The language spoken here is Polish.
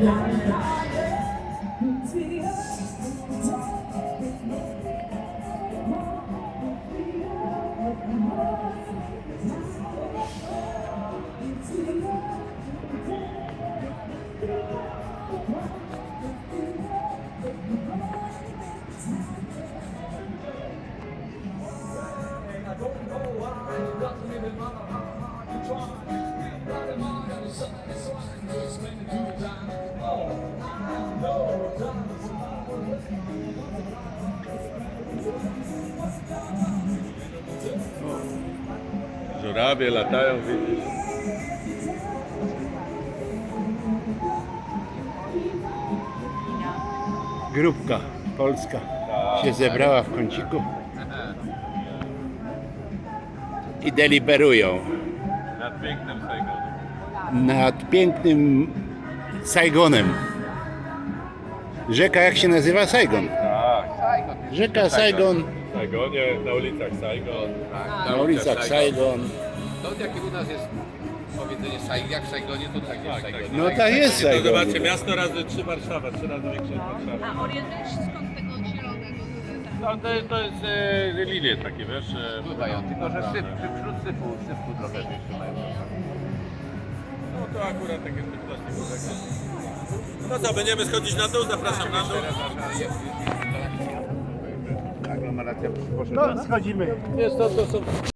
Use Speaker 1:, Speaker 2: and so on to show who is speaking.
Speaker 1: Żurawie latają, widzisz?
Speaker 2: Grupka polska się zebrała w kąciku i deliberują
Speaker 1: Nad pięknym Saigonu.
Speaker 2: nad pięknym Saigonem. Rzeka jak się nazywa? Saigon.
Speaker 1: Tak,
Speaker 2: Rzeka Saigon,
Speaker 1: w Saigonie, na ulicach Saigon.
Speaker 2: na ulicach Saigon.
Speaker 3: To jak u nas jest powiedzenie jak w Saigonie, to tak jest w Saigonie.
Speaker 2: No tak jest
Speaker 1: To
Speaker 2: Saigon.
Speaker 1: zobaczcie, miasto razy 3 Warszawa, 3 razy większe niż Warszawa.
Speaker 4: A orientujesz się skąd tego zielonego?
Speaker 1: No to jest lilie takie, wiesz?
Speaker 3: Pływają, tylko że wśród syfu trochę jeszcze mają.
Speaker 1: No to akurat takie typ plastiku. No co, będziemy schodzić na dół, zapraszam na dół.
Speaker 3: Aglomeracja poszedła.
Speaker 2: No schodzimy.
Speaker 1: Jest to są